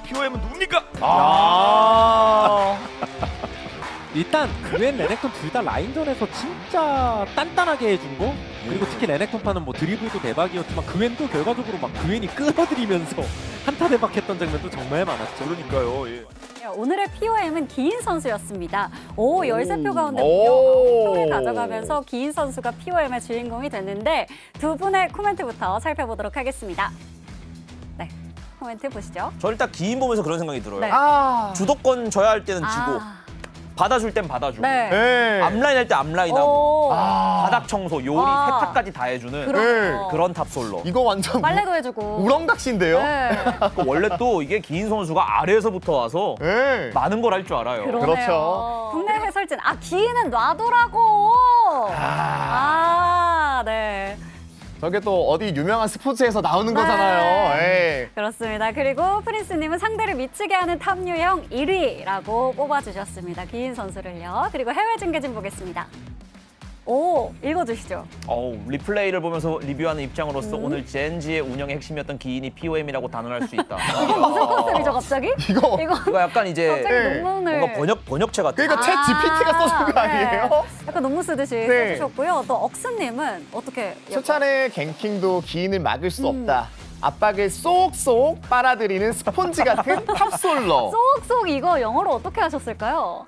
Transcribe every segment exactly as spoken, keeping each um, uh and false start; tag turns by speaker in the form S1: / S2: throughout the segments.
S1: 피오엠은 누굽니까?
S2: 아.
S3: 일단 그웬 레넥톤 둘 다 라인전에서 진짜 단단하게 해준 거, 그리고 특히 레넥톤파는 뭐 드리블도 대박이었지만 그웬도 결과적으로 막 그웬이 끌어들이면서 한타 대박했던 장면도 정말 많았죠.
S1: 그러니까요. 예.
S4: 오늘의 피오엠은 기인 선수였습니다. 오, 열세 표 가운데
S2: 오.
S4: 무려 아홉 표를 가져가면서 기인 선수가 피오엠의 주인공이 됐는데 두 분의 코멘트부터 살펴보도록 하겠습니다. 네, 코멘트 보시죠.
S5: 저 일단 기인 보면서 그런 생각이 들어요.
S4: 네.
S2: 아.
S5: 주도권 져야 할 때는 지고
S4: 아,
S5: 받아줄 땐 받아주고
S4: 네.
S2: 네.
S5: 앞라인 할 때 앞라인하고
S4: 오,
S2: 아.
S5: 바닥 청소, 요리,
S4: 와.
S5: 세탁까지 다 해주는
S4: 그런,
S5: 그런 탑솔로.
S2: 이거 완전
S4: 빨래도 해주고.
S2: 우렁각시인데요?
S4: 네.
S5: 그 원래 또 이게 기인 선수가 아래에서부터 와서
S2: 네.
S5: 많은 걸 할 줄 알아요.
S4: 그러네요.
S2: 그렇죠.
S4: 국내 해설진, 아, 기인은 놔두라고! 아, 네.
S2: 저게 또 어디 유명한 스포츠에서 나오는
S4: 네.
S2: 거잖아요. 예.
S4: 그렇습니다. 그리고 프린스님은 상대를 미치게 하는 탑유형 일 위라고 뽑아주셨습니다. 기인 선수를요. 그리고 해외 중계진 보겠습니다. 오, 읽어주시죠.
S5: 어우, 리플레이를 보면서 리뷰하는 입장으로서
S4: 음.
S5: 오늘 젠지의 운영의 핵심이었던 기인이 피오엠이라고 단언할 수 있다.
S4: 이건 무슨 컨셉이죠, 갑자기?
S2: 이거
S4: 이거
S5: 이거 약간 이제
S4: 갑자기
S2: 네.
S4: 논문을.
S5: 뭔가 번역 번역체 같아.
S2: 그러니까 챗 지피티가 써준 거 아니에요?
S4: 네. 약간 논문 쓰듯이
S2: 네.
S4: 써주셨고요. 또 억스님은 어떻게?
S2: 수찬의 갱킹도 기인을 막을 수
S4: 음.
S2: 없다. 압박을 쏙쏙 빨아들이는 스폰지 같은 탑솔러.
S4: 쏙쏙 이거 영어로 어떻게 하셨을까요?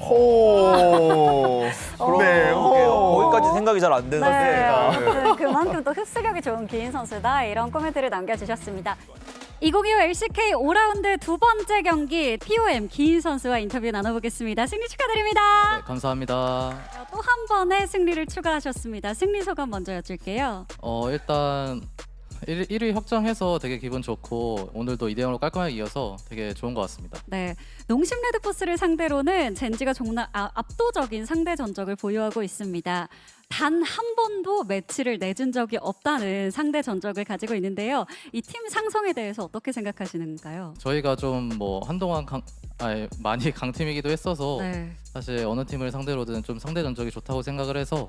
S2: 호. 네, 호.
S5: 거기까지 생각이 잘 안 되는데.
S4: 네, 아무튼 그만큼 또 흡수력이 좋은 기인 선수다 이런 코멘트를 남겨주셨습니다. 이천이십오 엘씨케이 오 라운드 두 번째 경기 피오엠 기인 선수와 인터뷰 나눠보겠습니다. 승리 축하드립니다.
S6: 네, 감사합니다.
S4: 또 한 번의 승리를 추가하셨습니다. 승리 소감 먼저 여쭐게요.
S6: 어, 일단 일 위 확정해서 되게 기분 좋고 오늘도 이 대 영으로 깔끔하게 이어서 되게 좋은 것 같습니다.
S4: 네, 농심 레드포스를 상대로는 젠지가 정말 아, 압도적인 상대 전적을 보유하고 있습니다. 단 한 번도 매치를 내준 적이 없다는 상대 전적을 가지고 있는데요. 이 팀 상성에 대해서 어떻게 생각하시는가요?
S6: 저희가 좀 뭐 한동안 강, 아니, 많이 강팀이기도 했어서
S4: 네.
S6: 사실 어느 팀을 상대로든 좀 상대 전적이 좋다고 생각을 해서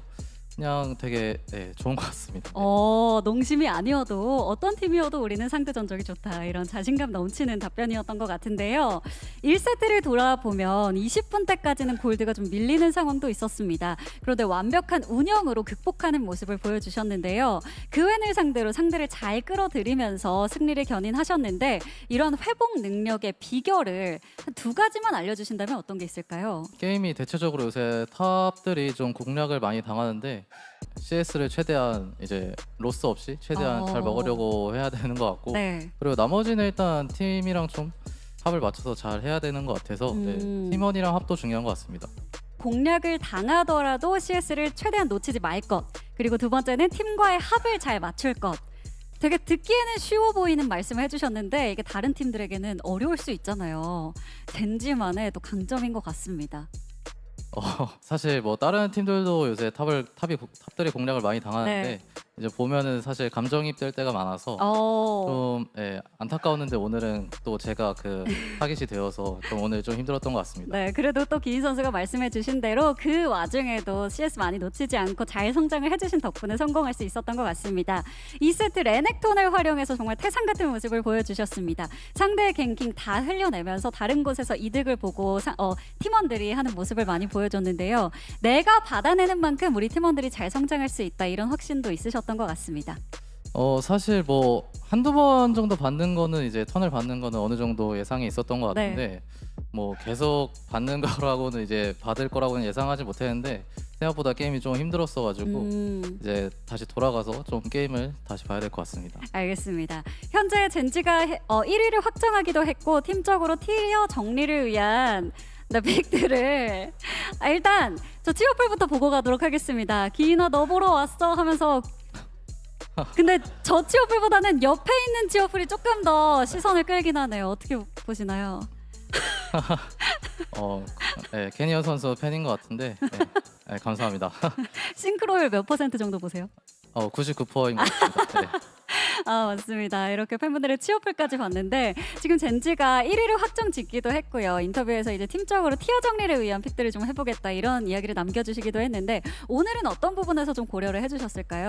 S6: 그냥 되게 네, 좋은 것 같습니다. 네.
S4: 어, 농심이 아니어도 어떤 팀이어도 우리는 상대 전적이 좋다. 이런 자신감 넘치는 답변이었던 것 같은데요. 일 세트를 돌아보면 이십 분대까지는 골드가 좀 밀리는 상황도 있었습니다. 그런데 완벽한 운영으로 극복하는 모습을 보여주셨는데요. 그웬을 상대로 상대를 잘 끌어들이면서 승리를 견인하셨는데 이런 회복 능력의 비결을 한 두 가지만 알려주신다면 어떤 게 있을까요?
S6: 게임이 대체적으로 요새 탑들이 좀 공략을 많이 당하는데 씨에스를 최대한 이제 로스 없이 최대한
S4: 어.
S6: 잘 먹으려고 해야 되는 것 같고
S4: 네.
S6: 그리고 나머지는 일단 팀이랑 좀 합을 맞춰서 잘 해야 되는 것 같아서
S4: 음.
S6: 네, 팀원이랑 합도 중요한 것 같습니다.
S4: 공략을 당하더라도 씨에스를 최대한 놓치지 말 것. 그리고 두 번째는 팀과의 합을 잘 맞출 것. 되게 듣기에는 쉬워 보이는 말씀을 해주셨는데 이게 다른 팀들에게는 어려울 수 있잖아요. 젠지만의 또 강점인 것 같습니다.
S6: 어, 사실 뭐 다른 팀들도 요새 탑을 탑이 탑들이 공략을 많이 당하는데
S4: 네.
S6: 이제 보면은 사실 감정이입될 때가 많아서
S4: 어,
S6: 좀 예, 안타까웠는데 오늘은 또 제가 그 타깃이 되어서 좀 오늘 좀 힘들었던 것 같습니다.
S4: 네, 그래도 또 기인 선수가 말씀해주신 대로 그 와중에도 씨에스 많이 놓치지 않고 잘 성장을 해주신 덕분에 성공할 수 있었던 것 같습니다. 이 세트 레넥톤을 활용해서 정말 태산 같은 모습을 보여주셨습니다. 상대의 갱킹 다 흘려내면서 다른 곳에서 이득을 보고 사, 어, 팀원들이 하는 모습을 많이 보여줬는데요. 내가 받아내는 만큼 우리 팀원들이 잘 성장할 수 있다 이런 확신도 있으셨던 것 같습니다.
S6: 어 사실 뭐 한두 번 정도 받는 거는 이제 턴을 받는 거는 어느 정도 예상이 있었던 것 같은데 뭐 계속 받는 거라고는 이제 받을 거라고는 예상하지 못했는데 생각보다 게임이 좀 힘들었어 가지고
S4: 음.
S6: 이제 다시 돌아가서 좀 게임을 다시 봐야 될 것 같습니다.
S4: 알겠습니다. 현재 젠지가 해, 어, 일 위를 확정하기도 했고 팀적으로 티어 정리를 위한 네, 픽들을 아, 일단 저 티어풀부터 보고 가도록 하겠습니다. 기인아 너 보러 왔어 하면서 근데 저 티어풀보다는 옆에 있는 티어풀이 조금 더 시선을 끌긴 하네요. 어떻게 보시나요?
S6: 어, 네, 캐니언 선수 팬인 것 같은데 네, 네, 감사합니다.
S4: 싱크로율 몇 퍼센트 정도 보세요?
S6: 어, 구십구 퍼센트인 것 같습니다. 네.
S4: 아 맞습니다. 이렇게 팬분들의 취업풀까지 봤는데 지금 젠지가 일 위를 확정 짓기도 했고요. 인터뷰에서 이제 팀적으로 티어 정리를 위한 픽들을 좀 해보겠다 이런 이야기를 남겨주시기도 했는데 오늘은 어떤 부분에서 좀 고려를 해주셨을까요?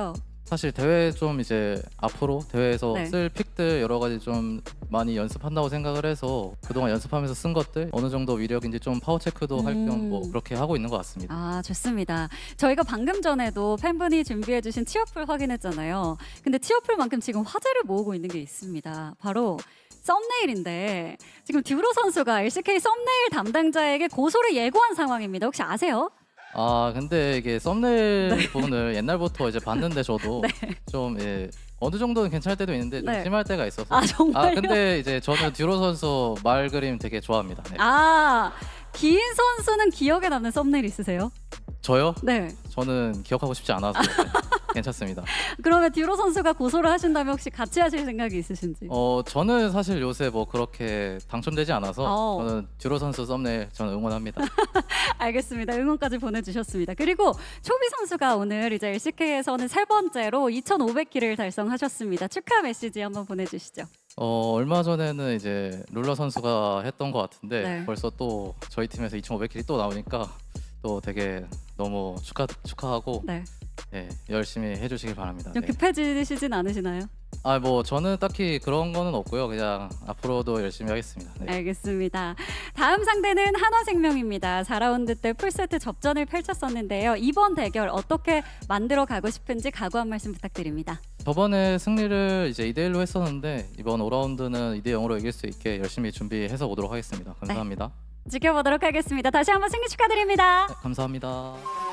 S6: 사실 대회 좀 이제 앞으로 대회에서
S4: 네.
S6: 쓸 픽들 여러 가지 좀 많이 연습한다고 생각을 해서 그동안 연습하면서 쓴 것들 어느 정도 위력인지 좀 파워 체크도 할 겸
S4: 음.
S6: 뭐 그렇게 하고 있는 것 같습니다.
S4: 아, 좋습니다. 저희가 방금 전에도 팬분이 준비해주신 티어풀 확인했잖아요. 근데 티어풀만큼 지금 화제를 모으고 있는 게 있습니다. 바로 썸네일인데 지금 듀로 선수가 엘씨케이 썸네일 담당자에게 고소를 예고한 상황입니다. 혹시 아세요?
S6: 아 근데 이게 썸네일 부분을 옛날부터 이제 봤는데 저도
S4: 네.
S6: 좀 예, 어느 정도는 괜찮을 때도 있는데 좀
S4: 네.
S6: 심할 때가 있어서.
S4: 아, 정말요?
S6: 아 근데 이제 저는 듀로 선수 말 그림 되게 좋아합니다. 네.
S4: 아, 기인 선수는 기억에 남는 썸네일 있으세요?
S6: 저요?
S4: 네.
S6: 저는 기억하고 싶지 않아서 네, 괜찮습니다.
S4: 그러면 듀로 선수가 고소를 하신다면 혹시 같이 하실 생각이 있으신지?
S6: 어 저는 사실 요새 뭐 그렇게 당첨되지 않아서
S4: 어.
S6: 저는 듀로 선수 썸네일 저는 응원합니다.
S4: 알겠습니다. 응원까지 보내주셨습니다. 그리고 초비 선수가 오늘 이제 엘씨케이에서는 세 번째로 이천오백 킬을 달성하셨습니다. 축하 메시지 한번 보내주시죠.
S6: 어 얼마 전에는 이제 룰러 선수가 했던 것 같은데
S4: 네.
S6: 벌써 또 저희 팀에서 이천오백 킬이 또 나오니까 또 되게 너무 축하 축하하고
S4: 네.
S6: 네, 열심히 해주시길 바랍니다.
S4: 좀
S6: 네.
S4: 급해지시진 않으시나요?
S6: 아 뭐 저는 딱히 그런 거는 없고요. 그냥 앞으로도 열심히 하겠습니다. 네.
S4: 알겠습니다. 다음 상대는 한화생명입니다. 사 라운드 때 풀세트 접전을 펼쳤었는데요. 이번 대결 어떻게 만들어 가고 싶은지 각오 한 말씀 부탁드립니다.
S6: 저번에 승리를 이제 이 대 일로 했었는데 이번 오 라운드는 이 대 영으로 이길 수 있게 열심히 준비해서 오도록 하겠습니다. 감사합니다.
S4: 지켜보도록 하겠습니다. 다시 한번 승리 축하드립니다.
S6: 네, 감사합니다.